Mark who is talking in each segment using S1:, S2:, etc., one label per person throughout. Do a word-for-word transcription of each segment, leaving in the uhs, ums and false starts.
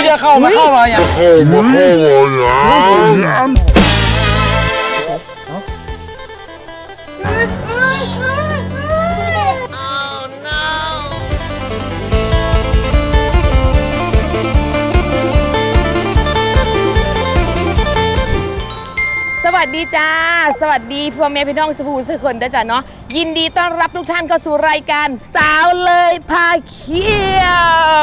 S1: จะเข้ามาเข้ามาอย่างเข้ามาเข้ามาอย่าง
S2: สวัสดีจ้าสวัสดีพ่อแม่พี่น้องสุภูสุคนด้วยจ้ะเนาะยินดีต้อนรับทุกท่านเข้าสู่รายการสาวเลยพาเที่ยว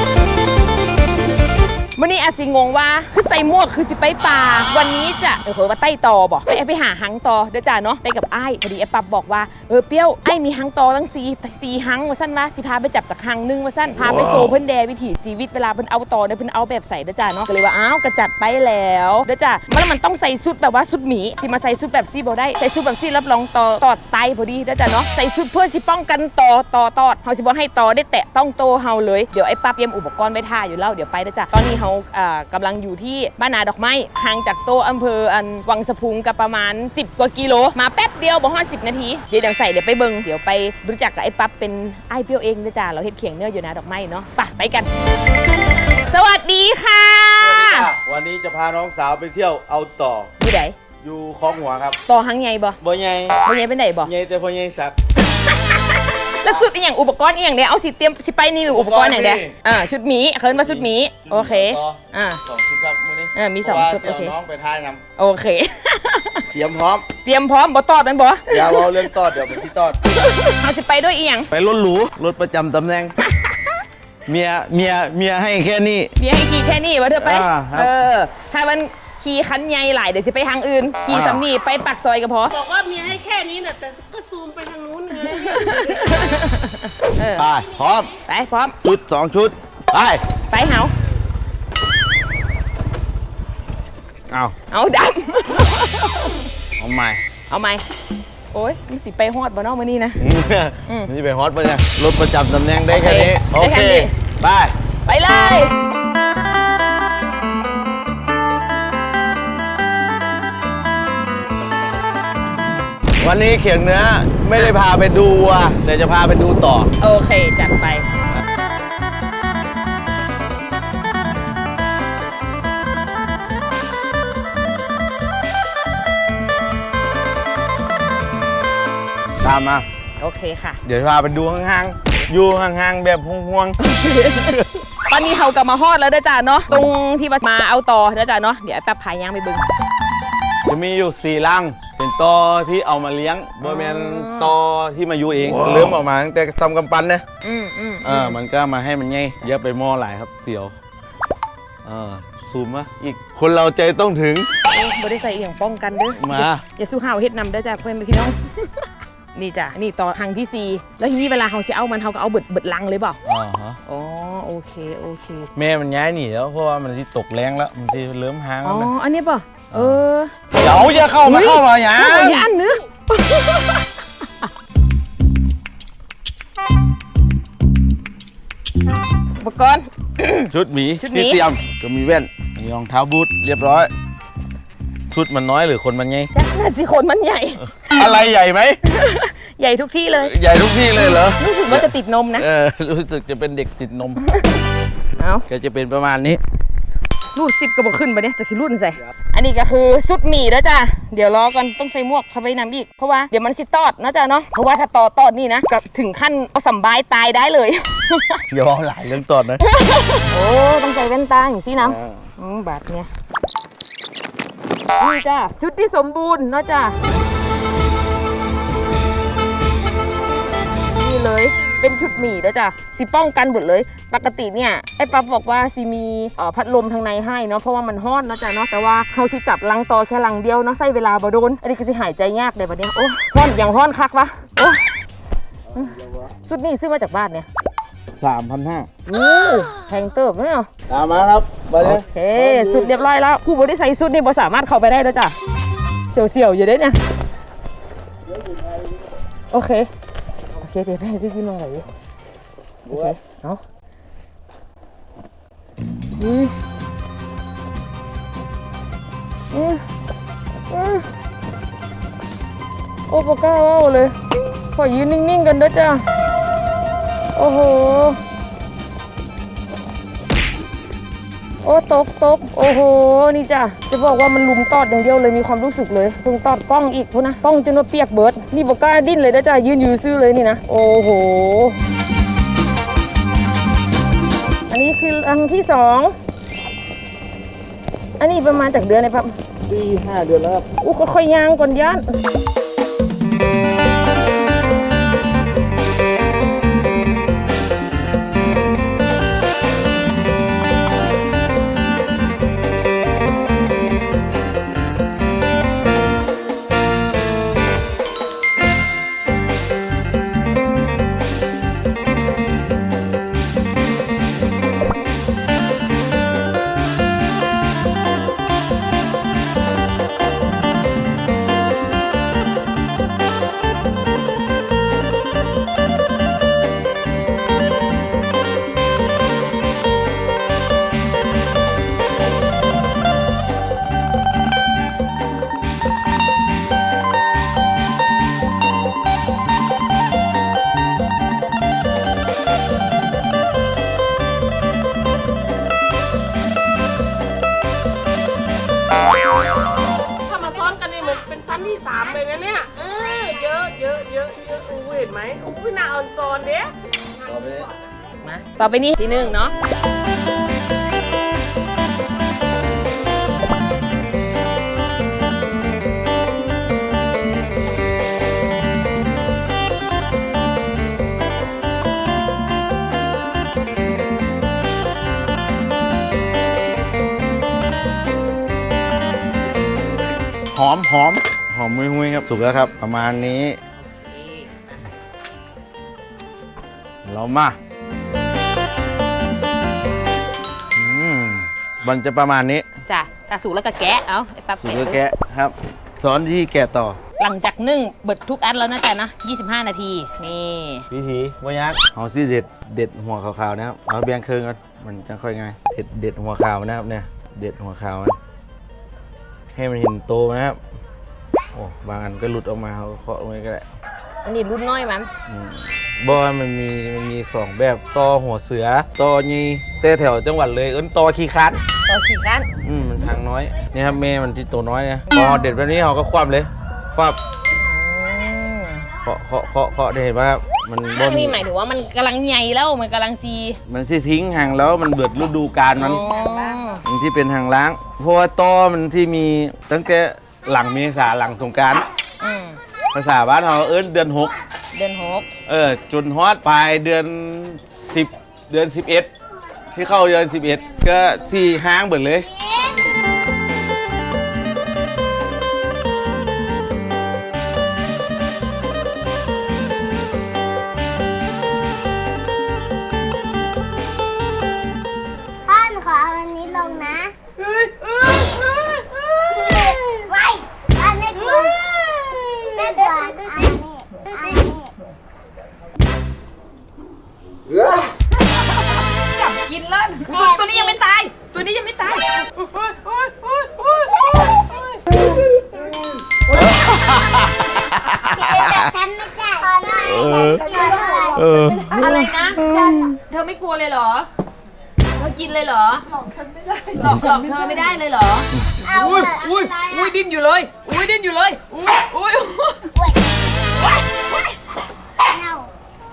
S2: วันนี้อาสิงงว่าคือใส่หมวกคือสิไปป่าวันนี้จะเออว่าใต้ตอบอกไปไปหาหังตอเด้อจ้าเนาะไปกับไอ้พอดีไอ้ปั๊บบอกว่าเออเปี้ยวไอ้มีหังตอตั้งสี่สี่หังว่าสั้นว่าสิพาไปจับจากหังนึงว่าสั้นพาไปโซเพิ่นแดวิถีชีวิตเวลาเพิ่นเอาตอเนี่ยเพิ่นเอาแบบใส่เด้อจ้าเนาะก็เลยว่าอ้าวกระจัดไปแล้วเด้อจ้าแล้วมันต้องใส่ชุดแบบว่าชุดหมีสิมาใส่ชุดแบบซี่บ่ได้ใส่ชุดแบบซี่รับรองตอตอดไตพอดีเด้อจ้าเนาะใส่ชุดเพื่อสิป้องกันตอตอตอดเฮาสิบ่ให้ตอได้แตะต้องโตเฮาเลยเดี๋ยวไอ้ปั๊บเตรียมอุปกรณ์ไว้ท่าอยู่แล้วเดี๋ยวไปเด้อจ้าตอนนี้เฮาอ่ากำลังอยู่ที่บ้านนาดอกไม้ห่างจากโตอำเภออันวังสะพุงกับประมาณสิบกว่ากิโลมาแป๊บเดียวบ่ฮอดสิบนาทีเดี๋ยวเดี๋ยวใส่เดี๋ยวไปเบิ่งเดี๋ยวไปรู้จักกับไอ้ปั๊บเป็นไอ้เปี้ยวเองนะจ้าเราเฮ็ดเขียงเนื้ออยู่นาดอกไม้เนาะไปไปกันสวัสดีค่ะ
S1: วันนี้จะพาน้องสาวไปเที่ยวเอาต่อ
S2: อยู่ไหน
S1: อยู่คลองหัวครับ
S2: ต่อหังใหญ่บ่
S1: บ่ใหญ่
S2: บ่ใหญ่เป็นไหนบ่
S1: ใหญ่แต่พอใหญ่สัก
S2: แล้วสุดอีหยังอุปกรณ์อีหยังเด้เอาสิเตรียมสิไปนี่หรืออุปกรณ์อย่างเด้อ่าชุดหมีเคินมาชุดหมีโอเคอ่า
S1: สองชุดครับมื้อนี้
S2: เออมีสองชุดโอเค
S1: น้องไปท่ายน
S2: โอเค
S1: ำเตรียมพร้อม
S2: เตรียมพร้อมบ่ตอดมันบ่
S1: อย่าเอาเรื่องตอดเดี๋ยวไปที่ตอด
S2: เอาสิไปด้วยอีหยัง
S1: ไปรถหรูรถประจำตำแหน่ง เมียเมียเมียให้แค่นี้
S2: เมียให้ขี่แค่นี้วะเธอไป
S1: อ่าครับ
S2: เออถ้ามันขี่คันใหญ่หลายเดี๋ยวสิไปทางอื่นขี่
S1: อ่า
S2: สำนีไปปักซอยก็พอ
S3: บอกว่ามีให้แค่นี้นะแต่ก็ซูมไปทางนู้นไง
S2: เออ
S1: ไปพร้อม
S2: ไปพร้อม
S1: ชุดสองชุดไป
S2: ไปเหา
S1: เอา
S2: เอาด
S1: เอาใหม่
S2: ำเอาไหมโอ้ยมันสิไปฮอดบ่เนาะมื้อนี้นะ อืม
S1: นี่ไปฮอตปะเนี่ยรถประจำตำแหน่งได้แค่นี้
S2: โอ
S1: โอ
S2: เค
S1: เค
S2: ได้แค่นี้
S1: ไป
S2: ไปเลย
S1: วันนี้เขียงเนื้อไม่ได้พาไปดูอ่ะแต่จะพาไปดูต่อ
S2: โอเคจัดไป
S1: ตามมา
S2: โอเคค่ะ
S1: เดี๋ยวพาไปดูห่างๆอยู่ห่างๆแบบห่วง
S2: ตอนนี้เขากลับมาฮอดแล้วเด้อจ้าเนาะตรงที่มาเอาต่อเด้อจ้าเนาะเดี๋ยวแป๊บพายย่างไปเบึง
S1: ๆจะมีอยู่สี่ลังเป็นตอที่เอามาเลี้ยงบ่แม่นตอที่มาอยู่เองเริ่มออกมาตั้งแต่ทำกำปั้นนะ
S2: อืมอืม
S1: เออมันก็มาให้มันไงเยอะไปหม้อหลายครับเสียวเออซูมมาอีกคนเราใจต้องถึง
S2: บริใส่เอียงป้องกันเด้อ
S1: มา
S2: อย่าสู้ห่าวเฮ็ดนำเด้อจ้าเพื่อนพี่น้อง นี่จ้ะนี่ต่อทางที่สี่แล้วทีนี้เวลาเขาจะเอามันเขาก็เอาเบิดเบิดลังเลยเปล่า
S1: อ๋อฮะ
S2: อ๋อโอเคโอเค
S1: แม่มันย้ายหนีแล้วเพราะว่ามันที่ตกแรงแล้วมันที่เริ่มหาง
S2: อ๋
S1: แล้ว
S2: อ
S1: นะ
S2: อันนี้ป่ะเออ
S1: เดี๋ยวจะเข้ามาเข้ามาอย่าง
S2: เข้ามาย่านเนื้อ อุปกรณ์
S1: ชุดหมี
S2: ชุดหมี
S1: ที่เตรียมก็มีแว่นมีรองเท้าบูทเรียบร้อย ชุดมันน้อยหรือคนมันไง
S2: จ้ะน่าสิคนมันใหญ่
S1: อะไรใหญ่ไหม
S2: ใหญ่ทุกที่เลย
S1: ใหญ่ทุกที่เลยเหรอ
S2: รู้สึกว่าจะติดนมนะ
S1: เออรู้สึกจะเป็นเด็กติดนม
S2: เอา
S1: ก็จะเป็นประมาณนี้
S2: รูดสิบกระบอกขึ้นไปเนี่ยจะสิรูดใส่อันนี้ก็คือชุดหมี่แล้วจ้ะเดี๋ยวรอก่อนต้องใส่หมวกเข้าไปนำอีกเพราะว่าเดี๋ยวมันสิตอดนะจ๊ะเนาะเพราะว่าถ้าตอดตอดนี่นะกับถึงขั้นเอาสัมบายตายได้เลย
S1: เดี๋ยวเอาหลายเรื่องตอนนะ
S2: โอ้ต้องใส่แว่นตาอย่างซี่น้ำอืมบาทเนี่ยนี่จ้ะชุดที่สมบูรณ์เนาะจ้ะนี่เลยเป็นชุดหมี่แล้วจ้ะสิป้องกันหมดเลยปกติเนี่ยไอ้ปั๊บบอกว่าสิมีเอ่อพัดลมทางในให้เนาะเพราะว่ามันฮ้อนเนาะจ้ะเนาะแต่ว่าเขาที่จับลังต่อแค่ลังเดียวเนาะใส่เวลาบ่โดนอันนี้ก็สิหายใจยากเลยบัดเนี้ยโอ้ฮ้อนอย่างฮ้อนคักวะโอ้ชุดนี้ซื้อมาจากบ้านเนี่ย
S1: สามพันห้า
S2: อู้แพงเติบเนี่ย
S1: ตามมาครับมาเล
S2: โอย เคสุดเรียบร้อยแล้วผู้บริใส่สุดนี่บ่สามารถเข้าไปได้แล้วจ้ะเสี่ยวๆอยู่เด้เนี่ยโอเคโอเคเดี๋ยวไปให้พี่กินลงไหนโอเคเอาอืมอืมอืมโอ้ปก้าว้าวเลยขอยืนนิ่งๆกันด้วยจ้ะโอ้โห
S1: โ
S2: โอ้ตกตกโอ้โหนี่จ้ะจะบอกว่ามันลุมตอดอย่างเดียวเลยมีความรู้สึกเลยเพิ่งตอดกล้องอีกพุ่นนะกล้องจนว่าเปียกเบิดนี่บอกกล้าดิ้นเลยนะจ้ะยืนอยู่ซื่อเลยนี่นะโอ้โหอันนี้คือรังที่สองอันนี้ประมาณจากเดือนไหนครับปีห้าเดือนแล้วครับอู้ก็ค่อยย่างก่อนย่าน
S3: ถ้ามาซ้อนกันนี่เหมือนเป็นชั้นที่สามเลยนะเนี่ยเออเยอะเยอะเยอะเยอะอู้เห็นไหมอู้หน้าออนซอนเด้
S2: มาต่อไปนี้สีหนึ่งเนาะ
S1: หอมหอมหอมหุยๆครับสุกแล้วครับประมาณนี้เรามาอืมมันจะประมาณนี้
S2: จ้ะกระสุกแล้วก็แกะเอาไอ้ปั๊บ
S1: สุกแล้วแกะครับสอนที่แกะต่อ
S2: หลังจากนึ่งเบิดทุกอันแล้วนะจ๊ะนะยี่สิบห้านาทีนี่
S1: วิธีวายักเอาซี่เด็ดเด็ดหัวขาวๆนะครับเอาเบียงเครื่องกันมันจะค่อยง่ายเด็ดเด็ดหัวขาวนะครับเนี่ยเด็ดหัวขาวนะให้มันเห็นโตนะครับโอ้บางอันก็หลุดออกมาเขาก็เคาะลงไปก็ได้
S2: อันนี้รุ่นน้อยมัน
S1: อืมบอมันมีมันมีสองแบบตอหัวเสือตอยีแต่แถวจังหวัดเลยเอิ้นตอขี้คัน
S2: ต่อขี่กัน
S1: อืมมันทางน้อยนี่ครับแม่มันที่ตัวน้อยนะพอเด็ดแบบนี้เขาก็คว่ำเลยฟับเคาะเคาะเคาะเคาะได้เห็นป่ะครับมันบ
S2: อั
S1: น
S2: นนี้หมายถึงว่ามันกำลังใหญ่แล้วมันกำลังซี
S1: มันที่ทิ้งห่างแล้วมันเบิดฤดูกาลมัน
S2: อ๋อ
S1: มันที่เป็นทางล้างเพราะว่าตอมันที่มีตั้งแต่หลังเมษาหลังสงกรานต์
S2: อืม
S1: ภาษาบ้านเขาเอิ้นเดือนหก
S2: เดือนหก
S1: เออจนฮอดปลายเดือนสิบเดือนสิบเอ็ดที่เข้าเดือนสิบเอ็ดก็สี่ห้างเบิดเลย
S4: ท่านขอเอาอันนี้ลงนะไว้อันนี้กลัวแม่กลัวอันนี้อันนี้
S2: จับกินเล่นตัวนี้ยังไม่ตาย ตัวนี้ยังไม่ตาย
S4: ฉันไม่จ่ายขอหน่อยฉันไม่จ่าย
S1: เออ
S2: อะไรนะเธอไม่กลัวเลยเหรอเธอกินเลยเหรอหลอกฉันไม่ได้หลอกหลอกเธอไม่ได้เลยเหรอ
S4: เอา
S2: อุ้ย
S4: อะ
S2: อุ้ย
S4: ไร
S2: อุ้ยดิ้นอยู่เลยอุ้ยดิ้นอยู่เลยอุ้ยอุ้ย
S4: เน่า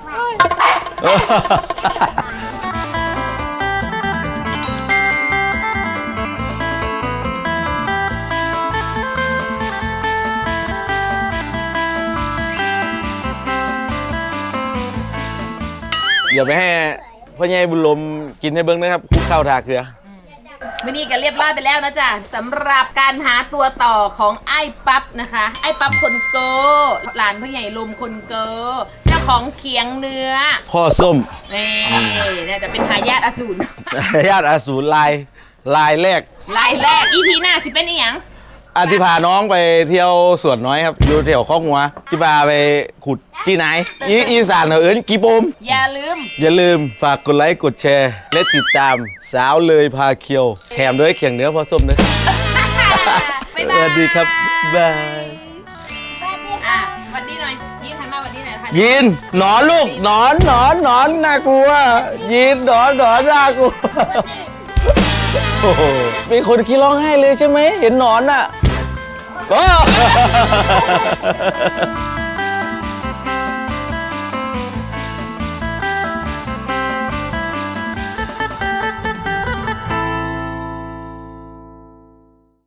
S1: อย่าไปให้พ่อใหญ่บุญลมกินให้เบิ้งนะครับคุกข้าวทาเกลือ
S2: วันนี้ก็เรียบร้อยไปแล้วนะจ๊ะสำหรับการหาตัวต่อของไอ้ปั๊บนะคะ ไอ้ปั๊บคนเกอหลานพ่อใหญ่ลมคนเกอเจ้าของเขียงเนื้อ
S1: พ่อส้ม
S2: นี่เนี่ยจะเป็นทายาทอสูร
S1: ญาติอาสูรลายลายแรก
S2: รายแรกอีพีหน้าสิเป็นอีหยัง
S1: อาทิพาน้องไปเที่ยวสวนน้อยครับอยู่แถวข้อกหัวจิพาไปขุดจีไหนอีอีสานเอิ้นกีโปม
S2: อย่าลืม
S1: อย่าลืมฝากกดไลค์กดแชร์ และติดตามสาวเลยพาเคียวแถมด้วยเขียงเนื้อพ่อส้มด้วย
S2: บ๊าย
S1: ส
S2: บาย
S1: วัสดีครับบาย
S4: สวัสดี
S2: อ่ะ
S4: ค่ะ
S2: สวัสดีหน่อยยิ้มทันมาสวัสดีหน่อยทัน
S1: ยินหนอนลูกหนอนหนอนหนอนน่ากลัวยินหนอนหนอนน่ากลัวโอ้โหมีคนขี้ร้องไห้เลยใช่ไหม เห็นหนอนอ่ะ โอ้